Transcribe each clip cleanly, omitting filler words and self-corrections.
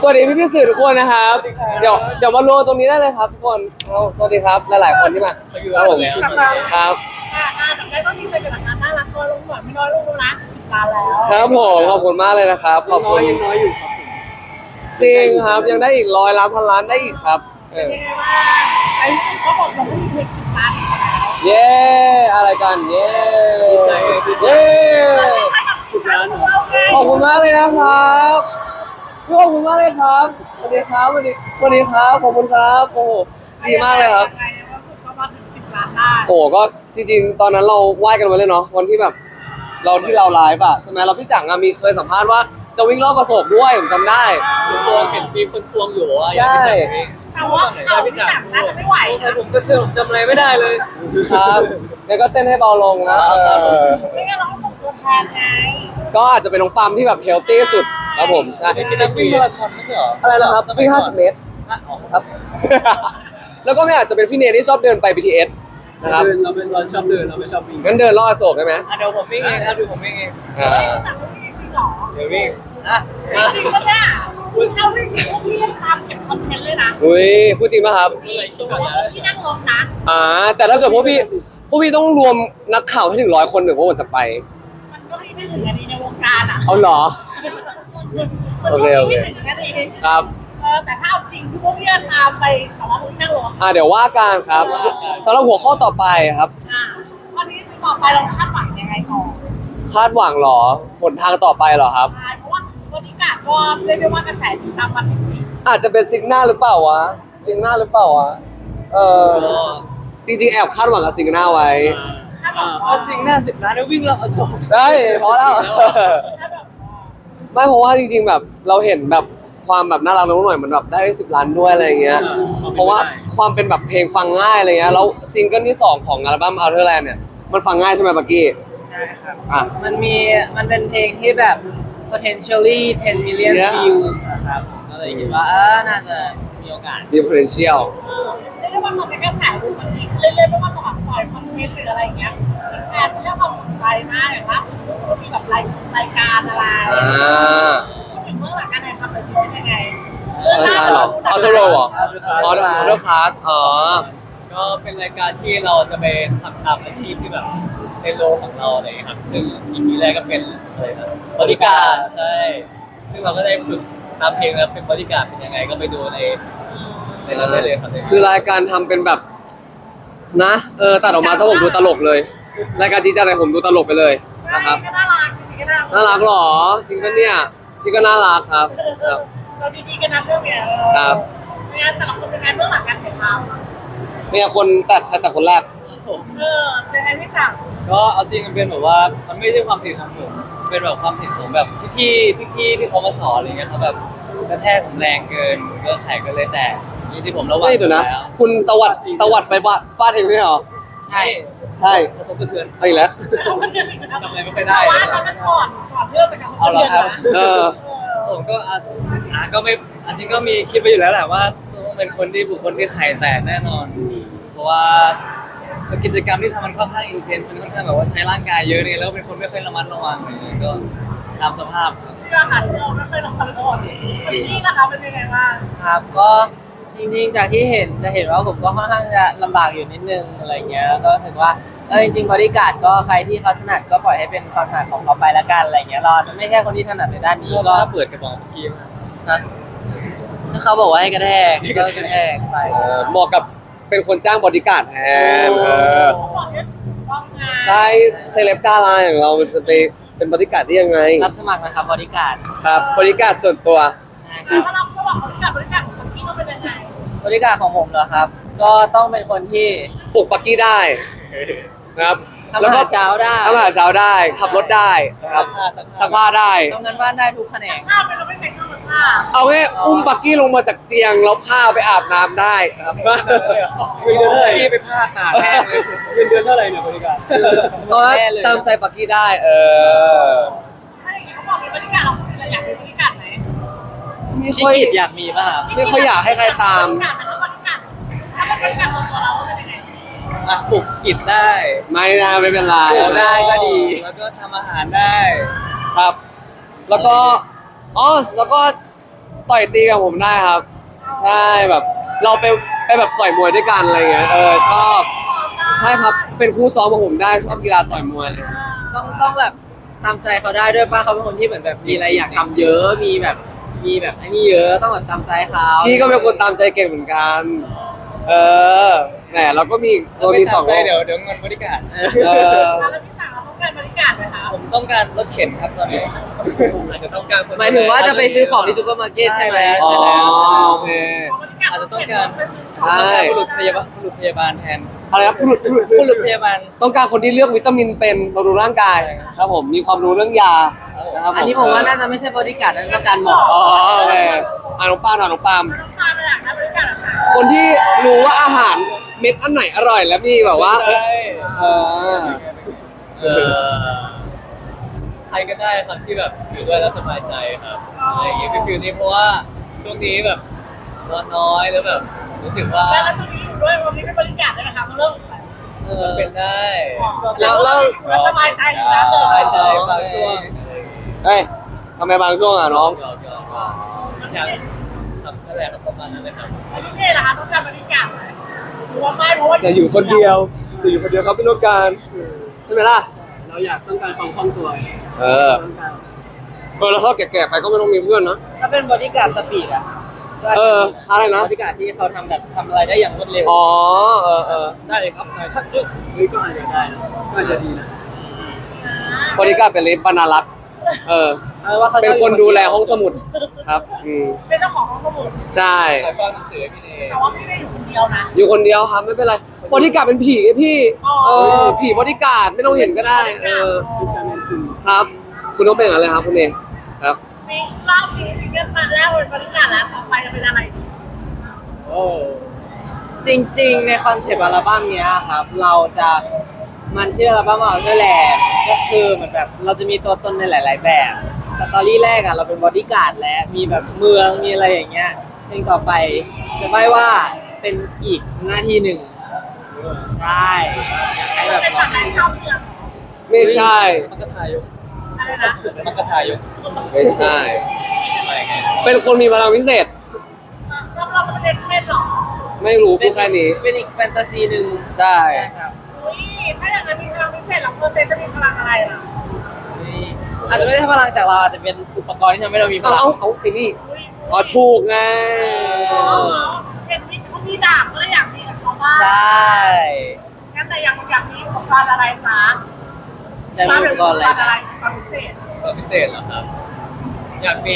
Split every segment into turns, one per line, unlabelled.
วัสดีพี่สื่อทุกคนนะครับเดี๋ยวมารวมตรงนี้ได้เลยครับทุกคนสวัสดีครับหลายๆคนที่มาครับผมครับ
แต่ได้ก็ดีใจกับงานน่ารักน้อยลงหน่อยไม่น้อยลงแล้วนะ10 ล้านแล้ว
ครับผมขอบคุณมากเลยนะครับขอบคุณ
ยังน้อยอยู่ครับ
จริงครับยังได้อีก100 ล้านพันล้านได้อีกครับ
ยังไงบ้างไอ้สุดก็บอกเราไม่มีเพลง10 ล้านแล้ว
เย้อะไรกันเย้เย้ขอบคุณมากเลยนะครับขอบคุณมากเลยครับสวัสดีครับสวัสดีครับขอบคุณครับโอ้โหดีมากเลยครับ
ก็มาถึง10 ล้านได้
โอ้ก็จริงๆตอนนั้นเราไหว้กันไว้เลยเนาะวันที่แบบเราไลฟ์อะใช่ไหมเราพี่จังมีเคยสัมภาษณ์ว่าจะวิ่งรอบประสบด้วยผมจำได้
ทวงเห็นมีคนทวงอยู่ว่า
ใช่
แต่ว่าเขาพี่จังน่าจะไม่ไหว
ใช่ผมก็เธอผมจำอะไรไม่ได้เลย
ครับแล้วก็เต้นให้เบาลงนะ
ไม่งั้นเราก็ส่งตัวแทนไง
ก็อาจจะเป็นน้องปั๊มที่แบบเฮลตี้สุดครับผมใช่
กินนักวิ่งมาราธอนไม่ใช่เหรอ
อะไรนะครับวิ่ง50 เมตรครับแล้วก็ไม่อาจจะเป็นพี่เนยที่ชอบเดินไป BTS นะครับ
เราชอบเดินเราไม่ชอบวิ่ง
งั้นเดินรอบอโศกได้ไหม
เดี๋ยวผมวิ่งเองดูผมวิ่งเอง
แต่ก็วิ่งจริงหรอ
เดี๋ยววิ่ง
จริงก็ได้ถ้าวิ่งพวกพี่ยังตามเก็บคอนเทนต์เลยนะ
อุ้ยพูดจริงป่ะครับ
พี่นั่งรถนะ
แต่ถ้าเกิดพวกพี่ต้องรวมนักข่าวให้ถึง100 คนหนึ่งพวกผมจะไป
มันก็ไม่ถึงอันนี้ในวงการอ่ะ
เอาเหรอโอเคครับ
แต่ถ้าเอาจริงพวกพี่ตามไปแต่ว่าพวกพี่นั่งรถ
เดี๋ยวว่ากันครับสำหรับหัวข้อต่อไปครับ
วันนี้ต่อไปเราคาดหวังยังไงต่อ
คาดหวังหรอผลทางต่อไปหรอครับ
ใช่เพราะว่าวันนี้ก็เรียกได้ว่ากระแสติดตามมาถึงนี้
อาจจะเป็นซิงหน้าหรือเปล่าวะซิงหน้าหรือเปล่าวะจริงๆแอบคาดหวังกับซิงหน้าไว้
ซิงหน้า10 ล้านแล้ววิ่งรอบอโศก
ได้พอแล้วไม่เพราะว่าจริงๆแบบเราเห็นแบบความแบบน่ารักน้องหน่อยมันแบบได้10 ล้านด้วยอะไรอย่างเงี้ยเพราะว่าความเป็นแบบเพลงฟังง่ายอะไรเงี้ยแล้วซิงเกิลที่2ของอัลบั้ม Outer Land เนี่ยมันฟังง่ายใช่ไหมบักกี้
ใช่ครับมันเป็นเพลงที่แบบ potentially 10 million views นะครับก็เลยคิดว่าน่าจะมีโอกาส
มี potential
เรียกได้ว่าตอนนี้กระแสมันดีขึ้นเรื่อยๆไม่ว่าจะแบบปล่อยคอนเทนต์หรืออะไรอย่างเงี้ยแฟนให้ความสนใจมากอย่างล่าสุดก็มีแบบรายการอะไรถึงเมื่อหลังการถ่ายทำเป็นยังไง
รายการหรอออสโรเหรอออเดอร์คลาส
ก็เป็นรายการที่เราจะไปทำตามอาชีพที่แบบในโลกของเราอะไรครับซึ่งอีพีแรกก็เป็นอะไรนะบริการใช่ซึ่งเราก็ได้ฝึกตามเพลงแล้วเป็นบริการเป็นยังไงก็ไปดูในนั้นได้เลยครับ
คือรายการทำเป็นแบบนะตัดออกมาซะผมดูตลกเลยรายการจริงจังอะไรผมดูตลกไปเลยนะครับ
น่ารัก
น่ารักหรอจริงปะเนี่ยพี่ก็น่ารักครับ
เราดีๆกันนะช่วงเนี้ย
ครับ
เนี่ยแต่ละคนเป็นไงเบื้องหลังการถ่ายท
ำเนี่ยคนแต่คนแรก
เป็นไงพี่จัง
ก็เอาจริงมันเป็นแบบว่ามันไม่ใช่ความผิดของผมเป็นแบบความผิดของแบบพี่ที่เขามาสอนอะไรเงี้ยเขาแบบกระแทกผมแรงเกินก็ไข่ก็เลยแตกจริงๆผมระวัง
สุดแล้วคุณตวัดไปฟาดเองด้วยเหรอใช่
กระทบกระเทือน
อีกแล้ว
จำอะไรไม่ค่อยได้
ว่าตอนนั้นก่อนเพื่อจะกลับ
เอาละครับผมก็ก็ไม่จริงก็มีคิดไปอยู่แล้วแหละว่าต้องเป็นบุคคลที่ไข่แตกแน่นอนเพราะว่ากิจกรรมที่ทำมันค่อนข้างอินเทนส์มันค่อนข้างแบบว่าใช้ร่างกายเยอะเนี่ยแล้วเป็นคนไม่ค่อยระมัดระวังเลยก็ตามสภาพ
เชื่อไม่ค่อยระมัดระวังนี่นะคะเป็นยังไงบ้าง
ครับก็จริงๆจากที่จะเห็นว่าผมก็ค่อนข้างจะลำบากอยู่นิดนึงอะไรเงี้ยแล้วก็รู้สึกว่าจริงๆบริการก็ใครที่เขาถนัดก็ปล่อยให้เป็นความถนัดของเขาไปละกันอะไรเงี้ยเราจะไม่ใช่คนที่ถนัดในด้านนี้ก็
เปิดกระบอกเมื่อกี้
นะถ้าเขาบอกว่าให้กระแทกก็กระแทกไป
เหมาะกับเป็นคนจ้างบริการแทนใช่เซเลบดาราอย่างเราจะไปเป็นบริการได้ยังไง
รับสมัครนะครับบริการ
ครับบริการส่วนตัว
ถ้าเราก็บอกบริการของพี่ต้องเป็นยังไง
บริการของผมเหรอครับก็ต้องเป็นคนที่
ปลุกปักกี้ได้ครับ
แล้วก็เช้าได้
ทำอาหารเช้าได้ขับรถได้ครับซักผ้าได้
ทำงานบ้านได้ทุกแผนก
ผ้าเราไม่ใช้เครื่องซักผ้า
เอาแค่อุ้มปักกี้ลงมาจากเตียงแล้วผ้าไปอาบน้ำได้ครับ
เงินเดือนเท่าไหร่ที่ไปผ้าตากแห้งเลยเงินเดือนเท่าไหร่เนี่ยบริการ
ตามใจปักกี้ได้
ถ้าอย่างนี้เขาบอกมีบริการเราอยากมีบริการไหม
ไม่ค่อยอยากมีป่ะครับ
ไม่ค่อยอยากให้ใครตาม
ถ้าเป็นบริการส่วนตัวเราเป็นยังไง
ปลุกกิจได้
ไม่เป็นไร
ปลุกได้ก็ดีแล้วก็ทำอาหารได้
ครับแล้วก็ต่อยตีกับผมได้ครับ ใช่แบบเราไปแบบต่อยมวยด้วยกันอะไรเงี้ยชอบใช่ครับเป็นคู่ซ้อมของผมได้ชอบกีฬาต่อยมวย
ต้องแบบตามใจเขาได้ด้วยป่ะเขาเป็นคนที่เหมือนแบบมีอะไรอยากทำเยอะมีแบบไอ้นี่เยอะต้องแบบตามใจเขา
พี่ก็เป็นคนตามใจเก่งเหมือนกันแหมเราก็มีตัวมีสอง
ใจเดี๋ยวเงินบริการ
แล้วพี่สั่งเราต้องการบริการไหมคะ
ผมต้องการรถเข็นครับตอนนี้อาจจะต้องการคน
หมายถึงว่าจะไปซื้อของที่ซูเปอร์มาร์เก็ตใช่ไหม
อ๋อโอเค
อาจจะต้องการ
ใช่
บุรุษพยาบาลแทน
อะไรครับ
บุรุษพยาบาล
ต้องการคนที่เลือกวิตามินเป็นบำรุงร่างกายครับผมมีความรู้เรื่องยานะครับ
อันนี้ผมว่าน่าจะไม่ใช่บริการนั่นต้องการหมอ
อ๋อโอเคน้องปาล์มน้องปาล์ม
ต้องการอะไรนะบริการอะไร
คนที่รู้ว่าอาหารเม็ดอันไหนอร่อยแล้วมีแบบว่าเออ
ใครก็ได้ครับที่แบบอยู่ด้วยแล้วสบายใจครับอะไรอย่างเงี้ยฟิลนี้เพราะว่าช่วงนี้แบบนอนน้อยแล้วแบบรู้สึกว่า
แล้วตรงนี้อยู่ด้วยวันนี้เป็นบริการได้ไหมคะเริ่ม
เป็นได้
แล้วสบายใจอยู่แล้ว
สบายใจบางช่วง
เฮ้ยทำไมบางช่วงอ่ะน้อง
อยากทำนั่นแหละครับประมาณนั้นเลยครับ
พี่เล่ะคะต้องการบริการไหมหรือว่าไม่เพราะว่า
อย่าอยู่คนเดียวอย่าอยู่คนเดียวครับพี่ต้องการใช่ไหมล่ะ
เราอยากต้องการความคล่องตัว
แล้วถ้าแก่ๆไปก็ไม่ต้องมีเพื่อนนะ
ถ้าเป็นบริการสปีดอะ
อะไรนะ
บริการที่เขาทำแบบทำอะไรได้อย่างรวดเร็ว
อ๋อ
ได้เลยครับถ้าซื้อก็อาจจะได้นะก็อาจจะดีนะ
บริการเป็นลิฟต์บรรณารักษ์
ว่าเขา
เป็นคนดูแลห้องสมุดครับ
เป็นเจ้าของห้องสมุด
ใช่
ขายฟังหนังสือพี่เนย
แต่ว่าพี่ไม่ได้อยู่คนเดียวนะ
อยู่คนเดียวครับไม่เป็นไรบริการเป็นผีไงพี่ผีบริการไม่ต้องเห็นก็ได้ครับ คุณต้องเป็นอะไรครับคุณเองครับ
มีรอบนี้ซิงเกิลมาแรกเป็นบริการแล้วต่อไปจะเป็นอะไรดี
จริงๆในคอนเซปต์อัลบั้มเนี้ยครับเราจะมันชื่ออัลบั้มอัลเทอร์แลนด์ก็คือเหมือนแบบเราจะมีตัวตนในหลาย ๆ แบบสตอรี่แรกอะเราเป็นบอดี้การ์ดแล้วมีแบบเมืองมีอะไรอย่างเงี้ยเพลงต่อไปจะไม่ว่าเป็นอีกหน้าที่หนึ่งใช่ให้แบบ
เป็นแบบไหนชอบเมือง
ไม่ใช่
มันก็ทายก
อะไรนะ
มันก็ทายก
ไม่ใช่
อะไรไง
เป็นคนมีพลังพิเศษ
เราเป็นเด็กเล่นหรอ
ไม่รู้พูดแค่นี้
เป็นอีกแฟนตาซีหนึ่ง
ใช่
ครับ
อุ้ยถ้าอย่างนั้นมีพลังพิเศษแล้วเปอร์เซ็นต์จะมีพลังอะไรล่ะ
อาจจะไม่ได้พลังจากเราอาจจะเป็นอุปกรณ์ที่ทำให้เรามีพลัง
เอาไอ้นี่อ๋อถูกไง
อ๋อเห็นมิกเขามีดาบก็เลยอยากมีกับเขาบ้าง
ใช่
งั้นแต่อยากมีอุปกรณ์อะไรจ๊ะ
แต่มีอุปกรณ์อะไร
อะไร
นะ
ความพิเศษ
ก็พิเศษเหรอครับ อยากมี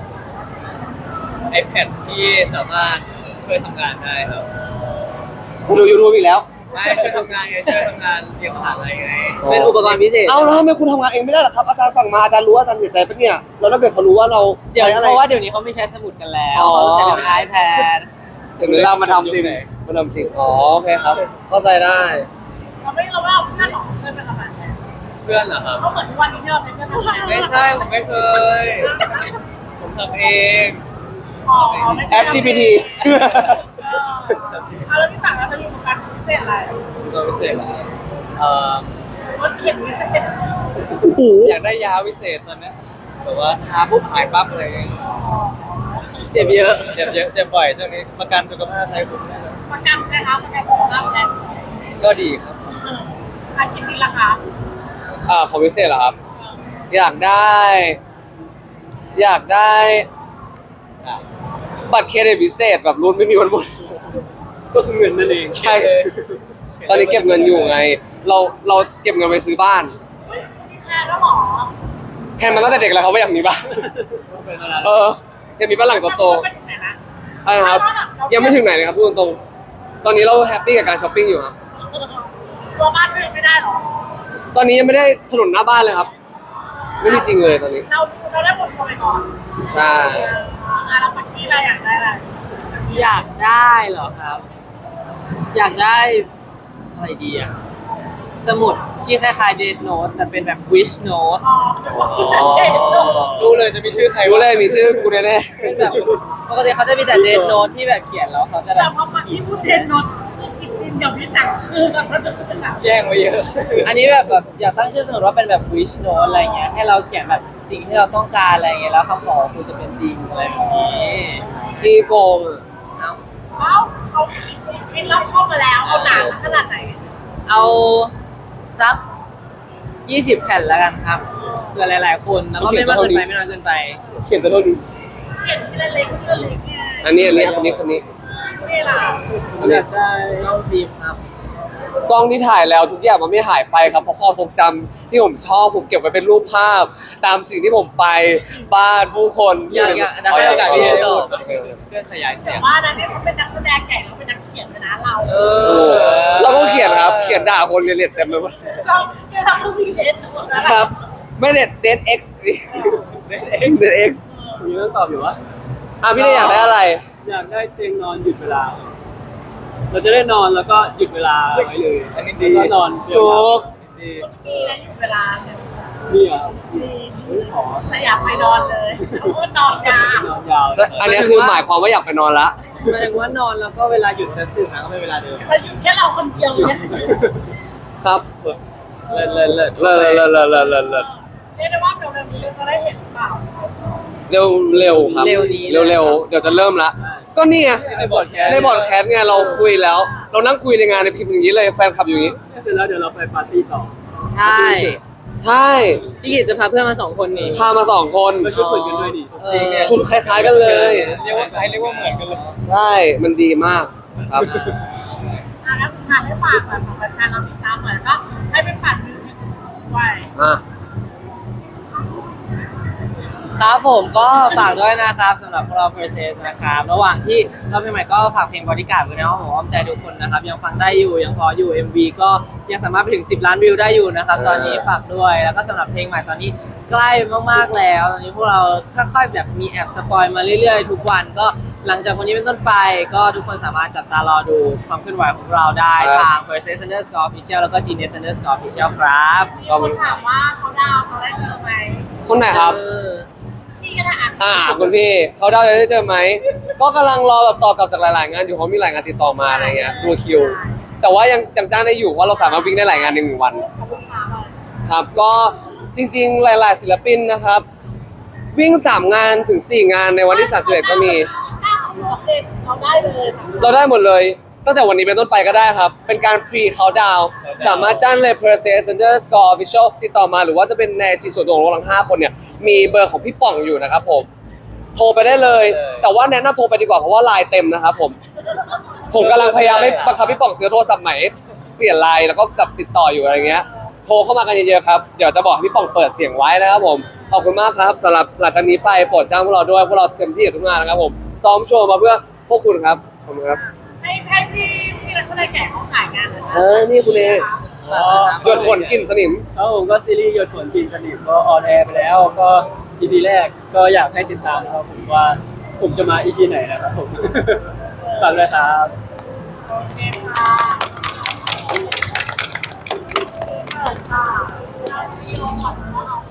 iPad ที่สามารถช่วยทำงานได้ครับ
จะดูยูทูบอีกแล้ว
ไม่ช่วยทำงานไงช่วยทำงานเรียนมหาลัยไง
เป็นอุปกรณ์พิเศษ
เอาแล้วทำไมคุณทำงานเองไม่ได้หรอครับอาจารย์สั่งมาอาจารย์รู้อาจารย์เสียใจปะเนี่ยแล้วถ้าเกิดเขารู้ว่าเรา
เดี๋ยว
ใช้อะไร
เพราะว่าเดี๋ยวนี้เขาไม่ใช้สมุดกันแล้ว
อ๋อ
เขาใช้เป็น iPad
เดี๋ยวเรามาทำจริงมาทำจริงอ๋อโอเคครับเข้าใจได้
เราไม่เอาเพื่อนหรอกเพื่อนเป็นประมาณไหน
เพื่อนเหรอครับ
เพราะเหมือนทุกวันนี้ที่เราใช้เพื่อนทำงาน
ไม่ใช่ ผมไม่เคย ผมทำเอง
อ๋อไม่ใช่
แอป GPT
แล้วพี่สั่งเราจะมีอุปกรณ์พิเศษอะไร
ตัวพิเศษเหรอครับ
รถเข็นพิเศษ
โอ้โห
อยากได้ยาพิเศษตอนเนี้ยแบบว่าทาปุ๊บหายปั๊บอะไรอย่างเงี้ย
เจ็บเยอะ
เจ็บเยอะเจ็บบ่อยช่วงนี้ประกันสุขภาพไทยคุ้มแน่เลย
ประกันนะคะประกันสุขภาพแทน
ก็ดีครับ
อากินดีราคา
ของพิเศษเหรอครับ อยากได้
อ่ะ
บัตรเครดิตพิเศษแบบรุ่นไม่มีวันหมด
ก็คือเงินนั่นเอง
ใช่ ตอนนี้เก็บเงินอยู่ไง เราเก็บเงินไปซื้อบ้าน
มีแพนแล้วหรอ
แทนมาตั้งแต่เด็กแล้วเขาไม่อยากมีบ้าน อยากมีบ้านหลังโต
เป็นไหนนะ
ๆอะไรนะครับ ยังไม่ถึงไหนเลยครับพูดตรงๆตอนนี้เราแฮปปี้กับการช้อปปิ้งอยู่ครับ
ตัวบ้านก็ยังไม่ได้หรอ
ตอนนี้ยังไม่ได้ถนนหน้าบ้านเลยครับ ไม่มีจริงเลยตอนนี้
เราได้บทโชว์ไปก่อน
ใช่
เราปักกี้อะไรอยากได้อะไร
อยากได้เหรอครับ อยากได้อะไรดีอะสมุดที่คล้ายๆเดทโน้ตแต่เป็นแบบ wish note
อ๋อเดี๋ยวบอกคุณจะเด็ด
รู้เลยจะมีชื่อใคร
รู้เลยมีชื่อกูแน่
เป็นแบบปกติเขาจะมีแต่เดทโน้ตที่แบบเขียนแล้วเขาจะแบ
แต่
บ
พอมาที่พูดเทนนท์คือกินดินเดี๋ยวพี่แต่งคือแบบถ้าจะเป็นหนัง
แย่งไว้เยอะ
อันนี้แบบอยากตั้งชื่อสมมติว่าเป็นแบบ wish note อะไรเงี้ยให้เราเขียนแบบสิ่งที่เราต้องการอะไรเงี้ยแล้วคำขอคุณจะเป็นจริงอะไรแบบนี้
ขี้โกงอะ
เอา
เอ้าเขาคิดรอบครอบมาแล้วเอาหนาสักขนาดไหน
เอาสัก 20 แผ่นแล้วกันครับเผื่อหลายๆคนแล้วก็ไม่มากเกินไปไม่น้อยเกินไป
เขียนตัวเท่านี้
เห็นทีละเล็กทีละเล็กไง
อันนี้คนนี้
นี่ล่ะ
อันนี้
ได้ต้องฟิล์มครับ
กล้องที่ถ่ายแล้วทุกอย่างมันไม่หายไปครับเพราะความทรงจำที่ผมชอบผมเก็บไว้เป็นรูปภาพ ตามสิ่งที่ผมไปบ้านผู้คน
อยากเดี๋ยวให้โอกาสพี่เอ็นตอบ
เครื่องขยายเสียง
ว่านะที่เขาเป็นนักแสดงใหญ่เราเป็นนักเขียนนะเรา
เอ
โอ้
อ
เราก็เขียนครับเขียนด่าคนเรียนเต็มไปหมด
เราเนี่ยเราต้องมีเดทหมดแล้ว
ครับ ไม่เน็ตเดท X เดท X
ผมยังต้องตอบอยู่ว่า
อ่ะพี่ได้อยากได้อะไร
อยากได้เตียงนอนหยุดเวลา เราจะได้นอนแล้วก็หยุดเวลาไว้เลย
อันนี้ดี
แล้วก็นอน
ถูก
ดี
มีนะอยู่เวลาเนี่ย
นี่อ่ะ
มี
ขอ
แต่อยากไปนอนเลยเพราะว่านอนยาวน
อนยาว
อันนี้คือหมายความว่าอยากไปนอนละ
หมายถึงว่านอนแล้วก็เวลาหยุดจะตื่นมาก็เป็นเวลาเดิม
แต่อยู่แค่เราคนเดียวเนี่ย
ครับ
เลิศเลิศเลิศ
เลิศ
เรียกได้ว่าเร็วๆนี้เราจะได้เห็นเปล่า
เร็วครับ เร็วเดี๋ยวจะเริ่มละ ก็นี่ไง
ในบอร์ดแคส
ในบอร์ดแคสต์ไงเราคุยแล้ว เรานั่งคุยในงานในพิมพ์อย่างนี้เลยแฟนคลับอยู่อย่างนี้
เสร็จแล้วเดี๋ยวเราไปปาร์ตี้ต่อ
ใช่
ใช่
พี่กิจจะพาเพื่อนมา2 คนนี้
พามา2 คน
มาช่วยเปิดกันด้วยดิ
จริงเนี่ย
ชุดคล้ายๆกันเลย
เรียกว่าคล้ายเรียกว่าเหมือนกันเลย
ใช่มันดีมากครับ
แล้วสุดท้ายให้ฝากแบบสำหรับการเราติดตามเหมือนก็ให้เป็นปั่นมือให้ด้วย
อ่ะ
ครับผมก็ฝากด้วยนะครับสำหรับพวกเรา Process นะครับระหว่างที่เราเพลงใหม่ก็ฝากเพลง Bodyguard ไว้นะครับผมอ้อมใจทุกคนนะครับยังฟังได้อยู่ยังพออยู่ MV ก็ยังสามารถไปถึง10 ล้านวิวได้อยู่นะครับตอนนี้ฝากด้วยแล้วก็สำหรับเพลงใหม่ตอนนี้ใกล้มากๆแล้วตอนนี้พวกเราค่อยๆแบบมีแอบสปอยมาเรื่อยๆทุกวันก็หลังจากวันนี้เป็นต้นไปก็ทุกคนสามารถจับตารอดูความเคลื่อนไหวของเราได้ทาง Process_Official แล้วก็ Genius_Official ครับ
มีคนถามว่าเขาดาวเขาได้เจอไหม
คนไหนครับ
พี่ก็ได้
คุณพี่เขาได้จะได้เจอไหมก็กำลังรอแบบตอบกลับจากหลายๆงานอยู่เพราะมีหลายงานติดต่อมาอะไรเงี้ยดูคิว แต่ว่ายังจ้างได้อยู่เพราะเราสามารถวิ่งได้หลายงานใน1 วัน
ขอบคุณค่ะ
ครับก็จริงๆหลายๆศิลปินนะครับ วิ่ง3 งานถึง 4 งานในวันที่31ก็มี
ถ้าเขาสำเร็จเราได้เลย
เราได้หมดเลย ตั้งแต่วันนี้เป็นต้นไปก็ได้ครับ เป็นการฟรีเขาดาว สามารถจ้างเลย Process_Official ติดต่อมาหรือว่าจะเป็นในจีส่วนตัวของเราทั้ง5 คนเนี่ย มีเบอร์ของพี่ป่องอยู่นะครับผม โทรไปได้เลย แต่ว่าแนะนำโทรไปดีกว่าเพราะว่าไลน์เต็มนะครับผม ผมกำลังพยายามให้บังคับพี่ป่องซื้อโทรศัพท์ใหม่ เปลี่ยนไลน์แล้วก็แบบติดต่ออยู่อะไรเงี้ย โทรเข้ามากันเยอะๆครับ เดี๋ยวจะบอกให้พี่ป่องเปิดเสียงไว้นะครับผม ขอบคุณมากครับสำหรับหลังจากนี้ไปโปรดจ้างพวกเราด้วยพวกเราเต็มที่กับทุกงานนะครับผม ซ้อมโชว์มาเพื่อพวกคุณครับ ขอบคุณครับ
ให้พี่นักแสดงแก่เขาขายงานเลย
นี่คุณเอหยดฝนกลิ่นสนิม
แล้วผมก็ซีรีส์หยดฝนกินสนิมก็ออนแอร์ไปแล้วก็ EP แรกก็อยากให้ติดตามนะครับผมว่าผมจะมา EP ไหนนะครับผม ฝากด้วยครับ
โอเคค่ะค่ะเราวิดีโอก่อนว่าเรา